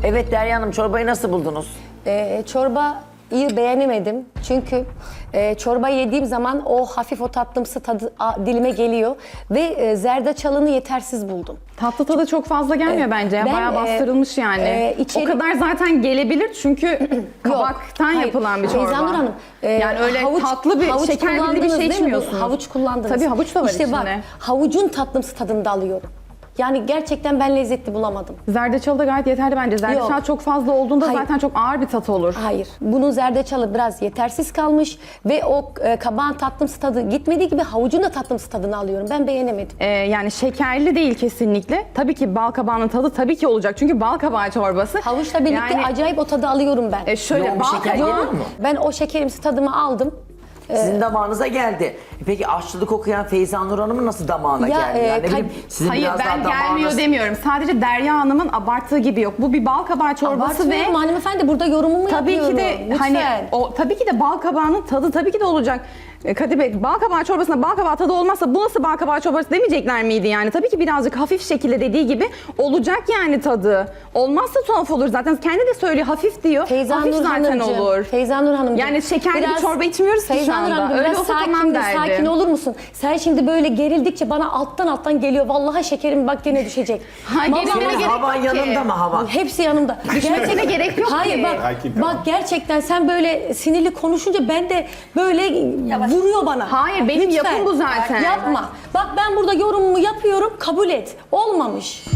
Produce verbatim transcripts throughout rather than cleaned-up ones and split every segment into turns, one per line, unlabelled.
Evet Derya Hanım, çorbayı nasıl buldunuz?
Ee, çorba iyi beğenemedim. Çünkü e, çorba yediğim zaman o hafif o tatlımsı tadı a, dilime geliyor. Ve e, zerdeçalını yetersiz buldum.
Tatlı tadı çok fazla gelmiyor
Ee,
bence.
ben,
Bayağı
e,
bastırılmış yani.
e, içeri-
O kadar zaten gelebilir çünkü kabaktan
hayır.
yapılan bir çorba.
Feyzanur Hanım, e,
yani öyle
havuç-
tatlı bir,
havuç
şekerli bir
kullandınız
şey
değil mi?
içmiyorsunuz.
Havuç kullandınız.
Tabii havuç da var
işte
içinde.
bak, havucun tatlımsı tadını da alıyorum. Yani gerçekten ben lezzetli bulamadım.
Zerdeçalı da gayet yeterli bence. Zerdeçal
Yok.
çok fazla olduğunda
Hayır.
zaten çok ağır bir tat olur.
Hayır. Bunun zerdeçalı biraz yetersiz kalmış ve o e, kabağın tatlımsı tadı gitmediği gibi havucun da tatlımsı tadını alıyorum. Ben beğenemedim.
Ee, yani şekerli değil kesinlikle. Tabii ki bal kabağının tadı tabii ki olacak. Çünkü bal kabağı çorbası.
Havuçla birlikte
Yani,
acayip o tadı alıyorum ben.
e, şöyle
Yoğun bir
bal
şeker
kabağı...
geliyor mu?
Ben o şekerimsi tadımı aldım.
Sizin damağınıza geldi. Peki aşçılık okuyan Feyza Nur Hanım'ın nasıl damağına
Ya,
geldi?
e,
Yani ne
kal-
bileyim, sizin
Hayır
biraz
ben
daha
gelmiyor
damağınız-
demiyorum. Sadece Derya Hanım'ın abarttığı gibi yok. Bu bir bal kabağı çorbası ve
Abartmıyorum hanımefendi, burada yorumumu
tabii
yapıyorum.
ki de
Lütfen.
hani o tabii ki de bal kabağının tadı tabii ki de olacak. E, Kadir Bey, bal kabağı çorbasında bal kabağı tadı olmazsa bu nasıl bal kabağı çorbası demeyecekler miydi yani? Tabii ki birazcık hafif şekilde dediği gibi olacak yani tadı. Olmazsa tuhaf olur zaten. Kendi de söylüyor hafif diyor.
Feyza
hafif
Nur
zaten
Hanımcığım,
olur.
Feyza Nur Hanımcığım.
Yani şekerli bir çorba içmiyoruz ki
Feyza
şu
Nur
anda.
Hanımcığım,
Öyle
biraz
olsa
sakin
tamam
de,
derdim.
sakin olur musun? Sen şimdi böyle gerildikçe bana alttan alttan geliyor. Vallahi şekerim bak gene düşecek.
Hayır,
Vallahi
gerilmene
bak-
gerek
Havan
yok ki.
yanında mı havan?
Hepsi yanımda.
Düşmesine gerek yok
Hayır
ki.
bak,
Sakin,
bak gerçekten sen böyle sinirli konuşunca ben de böyle vuruyor bana.
Hayır, benim yapım bu zaten.
Yapma. Bak ben burada yorumumu yapıyorum, kabul et. Olmamış.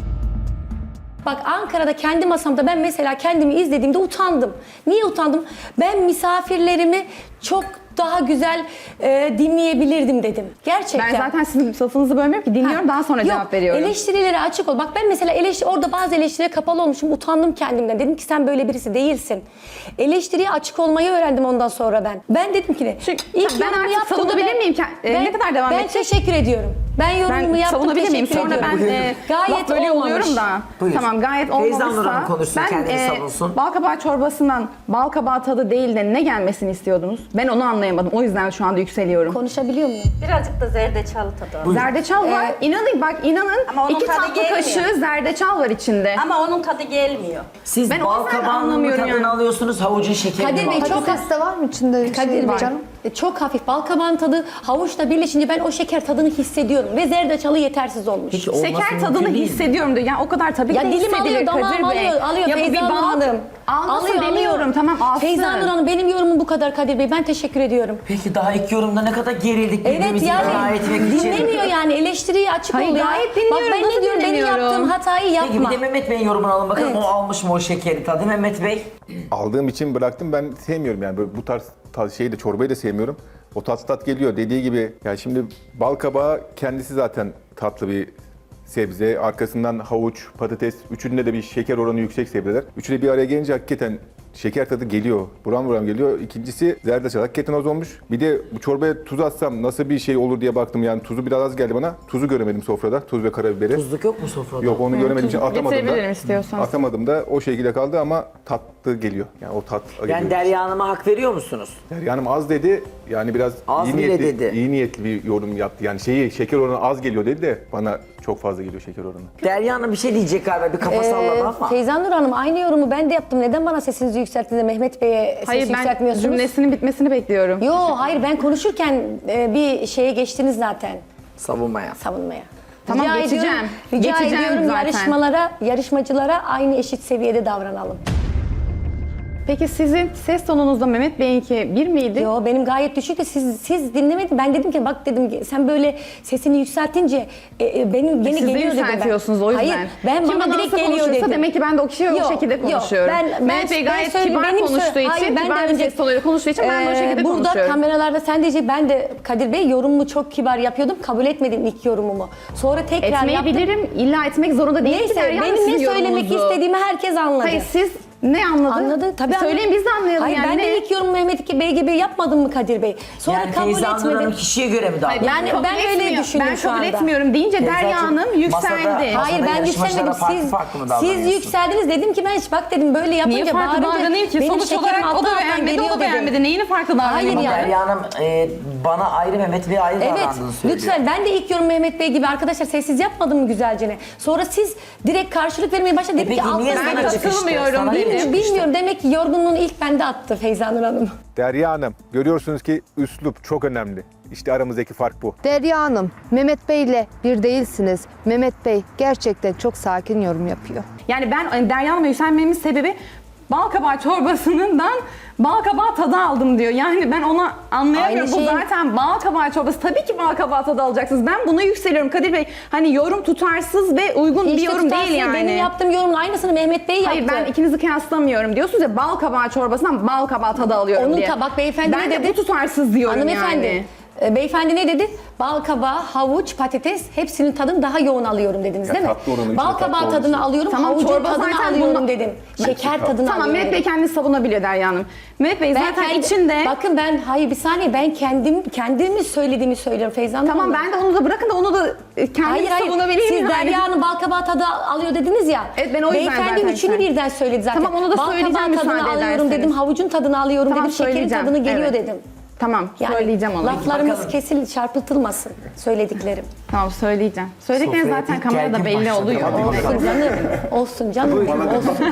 Bak Ankara'da kendi masamda ben mesela kendimi izlediğimde utandım. Niye utandım? Ben misafirlerimi çok daha güzel e, dinleyebilirdim dedim. Gerçekten.
Ben zaten sizin lafınızı bölmüyorum ki dinliyorum
Ha,
daha sonra
yok,
cevap veriyorum.
Eleştirilere açık ol. Bak ben mesela eleştiri, orada bazı eleştirilere kapalı olmuşum. Utandım kendimden. Dedim ki sen böyle birisi değilsin. Eleştiriye açık olmayı öğrendim ondan sonra ben. Ben dedim ki ne?
Çünkü
İlk
ben
yorumumu
artık
yaptığımda
savunabilir
ben-
miyim? Ke- e, ne kadar devam
Ben
edecek?
teşekkür ediyorum. Ben yorumumu
Ben
yaptım,
savunabilir miyim?
teşekkür
Sonra
ediyorum.
ben e,
Gayet
laf bölüyor
olmamış.
oluyorum da.
Buyur.
Tamam gayet
Feyza Nur
olmamışsa
Hanım konuşsun,
ben
kendini savunsun.
bal kabağı çorbasından bal kabağı tadı değil de ne gelmesini istiyordunuz? Ben onu anlayamadım. O yüzden şu anda yükseliyorum.
Konuşabiliyor muyum?
Birazcık da zerdeçalı tadı var.
Zerdeçal var.
Ee,
inanın bak inanın
Ama onun
iki
tadı
tatlı
gelmiyor.
kaşığı zerdeçal var içinde.
Ama onun tadı gelmiyor.
Siz
Ben o
bal
yüzden
kabağının mı
anlamıyorum
tadını
yani.
alıyorsunuz, havucun şekerini
Kadir
mi
Bey, çok
alıyorsunuz?
az-
Patates de var mı içinde?
Kadir
şey,
Bey,
canım?
e, çok hafif bal kabağın tadı havuçla birleşince ben o şeker tadını hissediyorum ve zerdeçalı yetersiz olmuş.
Hiç olması
Şeker
mümkün
tadını
değil.
hissediyorum diyor. Yani o kadar tabii
Ya
ki de
dilim
hissedilir
alıyor, damağım
Kadir Bey.
alıyor, alıyor
Ya bu bir
Feyza Nur
bal.
Hanım.
Almasın demiyorum, tamam alsın.
Feyza Nur Hanım, benim yorumum bu kadar Kadir Bey. Ben teşekkür ediyorum.
Peki daha ilk yorumda ne kadar gerildik
Evet
birbirimizi ikna
yani
etmek için.
dinlemiyor yani, eleştiriye açık
Hayır,
oluyor.
gayet dinliyorum,
Bak ben
nasıl
ne diyorum, benim
dinlemiyorum?
yaptığım hatayı
Peki bir
yapma.
de Mehmet Bey'in yorumunu alalım bakalım.
Evet.
O almış mı o şekeri tadı Mehmet Bey?
Aldığım için bıraktım. Ben sevmiyorum yani böyle bu tarz, tarz şeyi de çorbayı da sevmiyorum. O tat tat geliyor. Dediği gibi yani şimdi bal kabağı kendisi zaten tatlı bir sebze. Arkasından havuç, patates. Üçünde de bir şeker oranı yüksek sebzeler. Üçü de bir araya gelince hakikaten şeker tadı geliyor. Buram buram geliyor. İkincisi zerdeçal hakikaten az olmuş. Bir de bu çorbaya tuz atsam nasıl bir şey olur diye baktım. Yani tuzu biraz az geldi bana. Tuzu göremedim sofrada. Tuz ve karabiberi.
Tuzluk yok mu sofrada?
Yok onu göremediğim için atamadım
Getirebilirim
da.
istiyorsan.
Atamadım da o şekilde kaldı ama tatlı geliyor. Yani o tat geliyor.
Yani Derya Hanım'a hak veriyor musunuz?
Derya Hanım az dedi. Yani biraz
Az
iyi
bile
niyetli,
dedi.
iyi niyetli bir yorum yaptı. Yani şeyi şeker oranı az geliyor dedi de bana çok fazla geliyor şeker oranı.
Derya Hanım bir şey diyecek galiba, bir kafa
Ee,
salladı ama.
Feyza Nur Hanım, aynı yorumu ben de yaptım. Neden bana sesinizi yükselttiniz de Mehmet Bey'e ses
Hayır ben
yükseltmiyorsunuz?
cümlesinin bitmesini bekliyorum.
Yo hayır, ben konuşurken e, bir şeye geçtiniz zaten,
Savunmaya.
savunmaya.
Tamam, geçeceğim.
Ediyorum, rica
Geçeceğim
ediyorum
zaten.
yarışmalara, yarışmacılara aynı eşit seviyede davranalım.
Peki sizin ses tonunuzda Mehmet Bey'inki bir miydi?
Yo benim gayet düşük de siz siz dinlemedin. Ben dedim ki bak dedim sen böyle sesini yükseltince e, e, benim gene
Siz de
geliyor dedim ben.
yükseltiyorsunuz o yüzden.
Hayır ben
Kim
bana
bana
direkt
nasıl
geliyor
konuşursa
dedim.
demek ki ben de o kişiye o
Yok,
şekilde
yok.
konuşuyorum.
Ben, ben,
Mehmet Bey
ben
gayet
söyleyeyim,
kibar
benim sö-
konuştuğu için,
Hayır, ben
kibar
de
bir
önce-
ses tonuyla konuştuğu için ben de o
Ee,
şekilde
burada
konuşuyorum.
kameralarda sen diyecek, ben de Kadir Bey yorumumu çok kibar yapıyordum. Kabul etmedim ilk yorumumu. Sonra tekrar yaptım.
Etmeyebilirim, illa etmek zorunda değil ki
Neyse
Derya Hanım
benim ne
sizin
söylemek
yorumunuzu.
istediğimi herkes anladı.
Hayır siz ne anladın?
Anladı. Tabii
Söyleyin
anladı.
biz de anlayalım
Hayır,
yani.
ben
ne?
de ilk yorum Mehmet Bey gibi yapmadım mı Kadir Bey? Sonra
Yani
kabul
Feyza Nur Hanım
etmedim.
kişiye göre mi davranıyor?
Yani
kabul
ben öyle
etmiyor.
düşünüyorum
Ben
şu
kabul
anda.
etmiyorum deyince Derya
Feyzacığım,
Hanım yükseldi.
masada-
Hayır ben
yarışmacılara
yükselmedim.
farklı
Siz,
farklı mı
siz
davranıyorsunuz?
yükseldiniz, dedim ki ben hiç bak dedim böyle yapınca
Niye farklı
bağırınca
davranayım ki?
benim
Sonuç
şekerim
olarak o
alttan
da
alttan
beğenmedi, o
geliyor
da
dedim.
beğenmedi. Neyini farklı davranayım?
Hayır
Ama
yani.
Derya Hanım e, bana ayrı, Mehmet Bey ayrı
Evet,
davrandığını söylüyor.
lütfen. Ben de ilk yorum Mehmet Bey gibi arkadaşlar sessiz yapmadım mı güzelce? Sonra siz direkt karşılık vermeye başladınız.
E
Dedim ki
peki niye
alttan
sana
sana
çıkıştı?
katılmıyorum
Sana niye
dedim.
çıkıştı?
Bilmiyorum. Demek ki yorgunluğunu ilk bende attı Feyza Nur Hanım.
Derya Hanım, görüyorsunuz ki üslup çok önemli. İşte aramızdaki fark bu.
Derya Hanım, Mehmet Bey ile bir değilsiniz. Mehmet Bey gerçekten çok sakin yorum yapıyor.
Yani ben hani Derya Hanım'a yükselmemin sebebi bal kabağı çorbasından bal kabağı tadı aldım diyor. Yani ben ona anlayamıyorum.
Aynı
Bu
şeyin-
zaten bal kabağı çorbası. Tabii ki bal kabağı tadı alacaksınız. Ben buna yükseliyorum Kadir Bey. Hani yorum tutarsız ve uygun bir
İşte
yorum
tutarsın,
değil yani.
Benim yaptığım yorumun aynısını Mehmet Bey yaptı.
Hayır ben ikinizi kıyaslamıyorum. Diyorsunuz ya bal kabağı çorbasından bal kabağı tadı alıyorum
Onun
diye.
tabak beyefendi
ben
ne
de
dedi?
bu tutarsız diyorum
Hanımefendi,
yani.
e, beyefendi ne dedi? Bal kabağı, havuç, patates hepsinin tadını daha yoğun alıyorum dediniz
Ya
değil mi?
tatlı oranı,
Bal
içinde
kabağı
tatlı
tadını
olması.
alıyorum,
Tamam,
havucun
çorba
tadını
zaten
alıyorum
bunu-
dedim. Şeker tadını
Tamam
alıyorum
Mehmet Bey
dedim.
kendini savunabiliyor Derya Hanım. Mehmet Bey
Ben
zaten
kendi-
içinde...
Bakın ben, hayır bir saniye, ben kendim kendimi söylediğimi söylüyorum Feyza Hanım.
Tamam ben de onu da bırakın da onu da kendini
Hayır hayır,
savunabileyim.
siz
yani.
Derya'nın bal kabağı tadı alıyor dediniz ya.
Evet, ben o yüzden
Beyefendi
zaten
üçünü
sen-
birden söyledi zaten.
Tamam, onu da
bal
söyleyeceğim
kabağı tadını
müsaade
alıyorum
ederseniz.
dedim, havucun tadını alıyorum
Tamam,
dedim, şekerin
söyleyeceğim,
tadını geliyor
evet.
dedim.
Tamam
Yani
söyleyeceğim onu.
laflarımız
Bakalım.
kesin çarpıtılmasın söylediklerim.
Tamam söyleyeceğim. Söylediklerim
Sofraya
zaten
ilk
kamerada
gergin
belli
başladı.
oluyor.
Hadi
Olsun canım, olsun canım, olsun.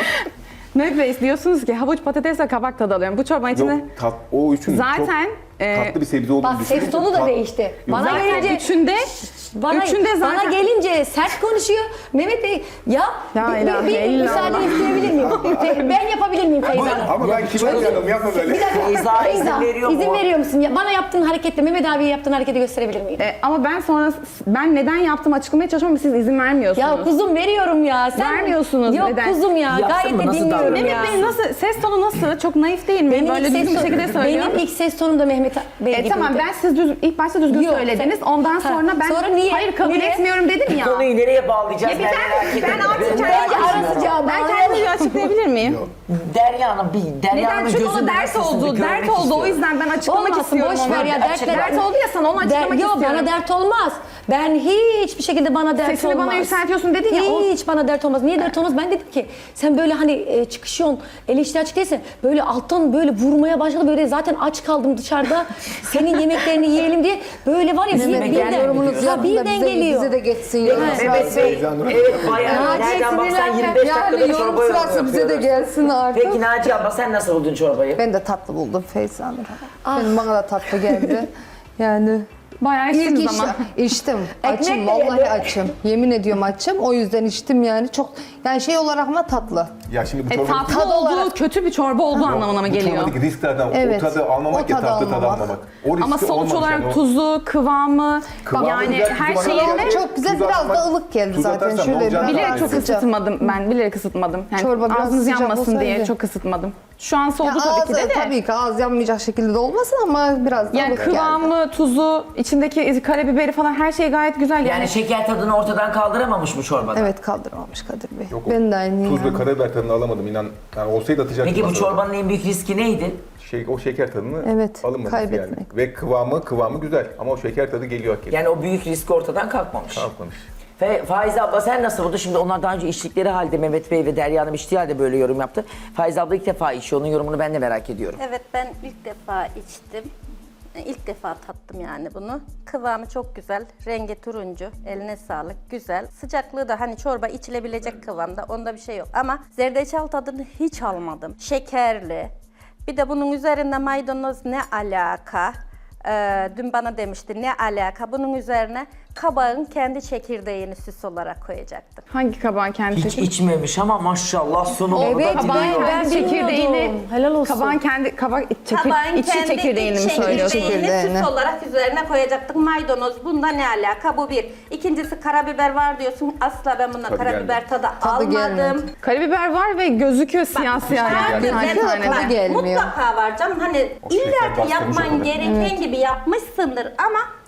Mehmet Bey diyorsunuz ki havuç patates ve kabak tadı alıyorum. Bu çorbanın içinde
Yok, tat, o üçün
zaten
çok
e,
tatlı bir sebze olduğunu
Bak
düşünüyorum.
ses tonu da
Tat-
değişti. Bana
zaten
gelince
üçünde
bana,
üçünde zaten
bana gelince sert konuşuyor. Mehmet Bey ya
La
bir,
ilahe
bir, bir
illallah.
müsaade isteyebilir miyim? Fe- ben yapabilir miyim Feyza Hanım?
Ama ben kibar canım, yapma böyle.
Bir dakika.
Feyza izin veriyor
izin
mu?
veriyor musun? Ya, bana yaptığın hareketle Mehmet abiye yaptığın hareketi gösterebilir miyim?
E, ama ben sonra ben neden yaptığımı açıklamaya çalışıyorum ama siz izin vermiyorsunuz.
Ya kuzum veriyorum ya. Sen
Vermiyorsunuz,
Yok
neden?
kuzum ya.
Yapsın
Gayet
mı?
de
Nasıl
dinliyorum
davranıyor?
ya.
Mehmet Bey nasıl ses tonu nasıl? Çok naif değil mi?
Benim
Böyle
ilk
düzgün
ses
bir şekilde
tonu-
söylüyor.
Benim ilk ses tonum da Mehmet Bey
E,
gibiydi.
tamam ben siz düz, ilk başta düzgün
Yok,
söylediniz.
sen-
Ondan
Ha,
sonra ben
sonra niye?
hayır kabul
Niye?
etmiyorum dedim ya.
Konuyu nereye bağlayacağız?
Ya bir
ben
ben-
merak
ben
ediyorum.
artık
Ben
kendi
merak
ara
ediyorum.
sıcağı
Ben
bağlayalım.
kendimi bir açıklayabilir miyim?
Derya Hanım, bir Derya
Neden?
Hanım'ın
Çünkü o
gözünden
dert
sesini
oldu.
görmek
Dert oldu. O
istiyorum.
yüzden ben açıklamak
Olmasın,
istiyorum
boş ver
onu.
ya, dertler-
Dert oldu ya sana onu açıklamak
Der, yok
istiyorum.
bana dert olmaz. Ben hiçbir şekilde bana dert
Sesini
olmaz.
bana yükseltiyorsun dedin ya, o-
Hiç bana dert olmaz. Niye dert olmaz? Ben dedim ki sen böyle hani e, çıkışıyorsun, eleştiri açık değilsin. Böyle alttan böyle vurmaya başladı. Böyle zaten aç kaldım dışarıda. Senin yemeklerini yiyelim diye. Böyle var ya bir,
Yüzüme
birden,
gelmiyor
Yorumunuzu
ha,
yapın da
birden
bize,
geliyor.
bize de geçsin yorum
Mehmet
sırası.
Bey, evet bayağı
Naciye
nereden baksan
sinirlenme.
yirmi beş dakikada
Yani
çorba
yorum
yorumu
sırası bize de
yapıyoruz.
gelsin artık.
Peki Naciye abla sen nasıl buldun çorbayı?
Ben de tatlı buldum Feyza Hanım. Benim bana da tatlı geldi. Yani
Bayağı
ilk
içtiniz
iş,
ama.
içtim.
Ekmek
Açım,
de
vallahi
yedi.
açım. Yemin ediyorum açım. O yüzden içtim yani. Çok yani şey olarak ama tatlı.
Ya şimdi bu
E,
çorba...
tatlı
Tadı
olduğu,
olarak-
kötü bir çorba olduğu anlamına mı
Bu
geliyor?
çorbadaki risklerden
Evet.
o tadı almamak
O
ya
tadı
tatlı tadı
almamak.
almamak. O riski
Ama sonuç
olmamış
olarak
yani o-
tuzu, kıvamı,
Kıvamı
yani
güzel,
her
tuzu bana
şeyinde
geldi.
Çok güzel,
Tuz
biraz da
atmak-
ılık geldi
tuz
zaten.
atarsan
Şöyle
ne olacağını
biraz
bilerek çok
sıcak.
ısıtmadım ben. Bilerek ısıtmadım. Yani
Çorba biraz
ağzınız
sıcak
yanmasın
olsaydı.
diye çok ısıtmadım. Şu an soğudu
Ya
tabii ki de
ağzı-
de.
Tabii ki ağız yanmayacak şekilde de olmasın ama biraz da
Yani
ılık geldi.
kıvamı, tuzu, içindeki karabiberi falan her şey gayet güzel. Yani,
Yani şeker tadını ortadan kaldıramamış mı çorbada?
Evet kaldırmamış Kadir Bey.
Yok, o
ben de aynı
Tuz
yani.
ve karabiber tadını alamadım inan. Yani olsaydı atacaktım.
Peki bu
masada.
çorbanın en büyük riski neydi?
Şey, o şeker tadını
Evet,
alınmaması
kaybetmek.
yani. Ve kıvamı kıvamı güzel ama o şeker tadı geliyor hakikaten.
Yani o büyük risk ortadan kalkmamış.
Kalkmamış.
Fe, Faize abla sen nasıl buldun? Şimdi onlar daha önce içtikleri halde Mehmet Bey ve Derya Hanım içtiği halde böyle yorum yaptı. Faize abla ilk defa içiyor. Onun yorumunu ben de merak ediyorum.
Evet ben ilk defa içtim. E, İlk defa tattım yani bunu. Kıvamı çok güzel. Rengi turuncu. Eline sağlık. Güzel. Sıcaklığı da hani çorba içilebilecek kıvamda. Onda bir şey yok. Ama zerdeçal tadını hiç almadım. Şekerli. Bir de bunun üzerinde maydanoz ne alaka? Ee, dün bana demişti ne alaka? Bunun üzerine kabağın kendi çekirdeğini süs olarak koyacaktım.
hangi kabağın kendisi?
Hiç içmemiş ama maşallah sunumu
Evet,
da
ben-
biliyor.
ben-
çekirdeğini,
bilmiyordum. Helal olsun.
kabağın kendi, kabak, çekir,
Kabağın
içi
kendi
çekirdeğini mi
iç
söylüyorsun?
çekirdeğini
Çekirdeğini.
süs olarak üzerine koyacaktık. Maydanoz bunda ne alaka? Bu bir. İkincisi karabiber var diyorsun. Asla ben bunda
Tadı
karabiber
gelmedi.
tadı,
Tadı
almadım.
gelmedi.
Karabiber var ve gözüküyor siyah siyah yani.
Vardır,
Tane
ben-
tane.
tadı gelmiyor.
Mutlaka var canım. Hani
O şeker
illa ki
bastırmış
yapman
olur.
gereken gibi yapmışsındır ama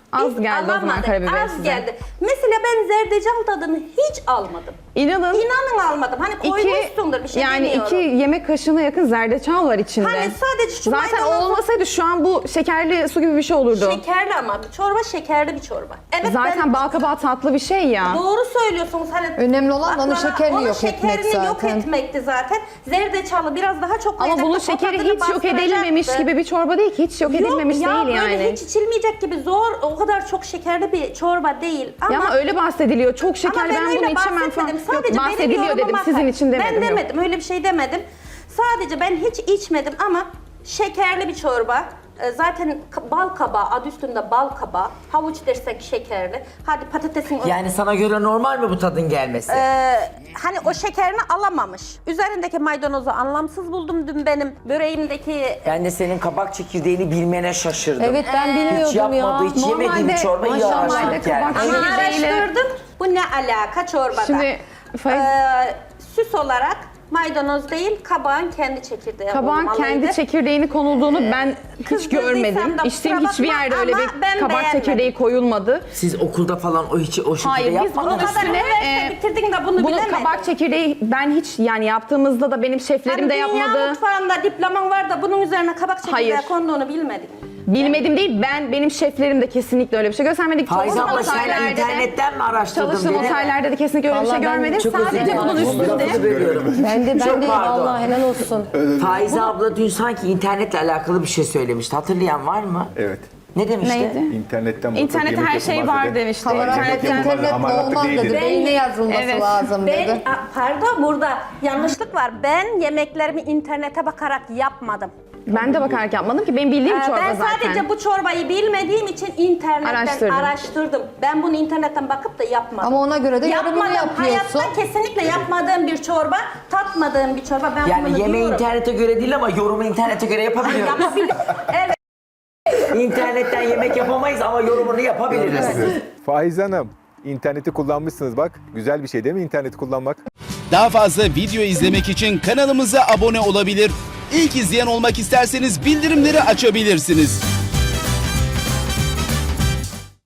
Az
Biz
geldi o zaman
alamadık,
karabiber
az
size.
geldi. Mesela ben zerdeçal tadını hiç almadım.
İnanın.
İnanın almadım. Hani koymuşsundur bir şey
yani
demiyorum.
iki yemek kaşığına yakın zerdeçal var içinde.
Hani sadece şu
Zaten
maydanoz-
olmasaydı şu an bu şekerli su gibi bir şey olurdu.
Şekerli ama çorba şekerli bir çorba. Evet
Zaten
ben
bal kabağı tatlı bir şey ya.
doğru söylüyorsunuz. Hani
Önemli olan onun
baklava-
şekerini
onun
yok etmek
şekerini yok
zaten.
etmekti zaten. Zerdeçalı biraz daha çok
Ama
koyacaktı,
bunun
o
şekeri
tadını
hiç yok edilmemiş
bastıracaktı.
gibi bir çorba değil ki. Hiç yok edilmemiş
Yok ya,
değil yani.
böyle hiç içilmeyecek gibi zor, o kadar çok şekerli bir çorba değil. Ama,
Ya ama öyle bahsediliyor. Çok
ama
şeker
ben,
ben,
öyle
bunu içemem falan.
bahsetmedim. Sadece
Yok,
benim
bahsediliyor
yorumuma
dedim. Sizin
bak.
için demedim.
Ben
yok.
demedim, öyle bir şey demedim. Sadece ben hiç içmedim ama şekerli bir çorba. Ee, Zaten ka- bal kabağı, adı üstünde bal kabağı. Havuç dersek şekerli. Hadi patatesin...
Yani sana göre normal mi bu tadın gelmesi?
Ee, hani o şekerini alamamış. Üzerindeki maydanozu anlamsız buldum dün benim böreğimdeki.
Ben de senin kabak çekirdeğini bilmene şaşırdım.
Evet ben bilmiyordum
Hiç yapmadığı,
ya.
hiç yemediği bir
Normalde-
çorba iyi
maşallah
araştırdık
kabak
yani.
Ama
çekirdeğiyle-
araştırdım. Bu ne alaka çorbada?
Şimdi Faiz,
Ee, süs olarak maydanoz değil, kabağın kendi çekirdeği
kabağın
olmalıydı.
kendi çekirdeğini konulduğunu ben hiç
kızdırdıysam
görmedim.
da
İçtiğim
kusura
hiçbir
bakma
yerde öyle
ama
bir
ben
kabak
beğenmedim.
çekirdeği koyulmadı.
Siz okulda falan o hiç o şekilde
Hayır, biz
yapmadınız.
bunun
O kadar
üstüne,
üniversite
e,
bitirdin de bunu
Bunun
bilemedin.
kabak çekirdeği ben hiç yani yaptığımızda da benim şeflerim
Hani
de
dünya
yapmadı.
mutfağında diploman var da bunun üzerine kabak çekirdeği
Hayır.
konduğunu bilmedik.
Bilmedim değil, ben benim şeflerim de kesinlikle öyle bir şey göstermedik.
Faiz
Çalıştığım
abla sen
otellerde de-
internetten mi araştırdın?
Çalıştığım
dedi?
otellerde de kesinlikle öyle bir şey
Vallahi ben
görmedim.
Çok özür
Sadece
dilerim.
bunun
Lafınızı
üstünde
bölüyorum.
Ben de ben
Çok
de
pardon.
Allah helal olsun.
Faize abla dün sanki internetle alakalı bir şey söylemişti. Hatırlayan var mı?
Evet.
Ne demişti?
Neydi?
İnternetten bakıp
İnternette
yemek
her şey
yapılmaz
var
dedi.
demişti.
Kamera
İnternet-
yapılmaz,
internetle
hamaratlık
olmaz
değil
dedi.
dedi.
Beynine yazılması
Evet.
lazım
Ben,
dedi.
a, pardon burada yanlışlık var. Ben yemeklerimi internete bakarak yapmadım.
Ben de bakarak yapmadım ki benim bildiğim
Ee,
çorba
ben
zaten.
sadece bu çorbayı bilmediğim için internetten
Araştırdın.
araştırdım. Ben bunu internetten bakıp da yapmadım.
Ama ona göre de yorumunu
Yapmadım.
yapıyorsun.
Hayatta kesinlikle yapmadığım bir çorba, tatmadığım bir çorba. Ben bunu
Yani yemeği
diyorum.
internete göre değil ama yorumu internete göre yapabiliyoruz.
Yapabilirim. Evet.
İnternetten yemek yapamayız ama yorumunu yapabiliriz.
Faiz Hanım, interneti kullanmışsınız bak. Güzel bir şey değil mi interneti kullanmak?
Daha fazla video izlemek için kanalımıza abone olabilir. İlk izleyen olmak isterseniz bildirimleri açabilirsiniz.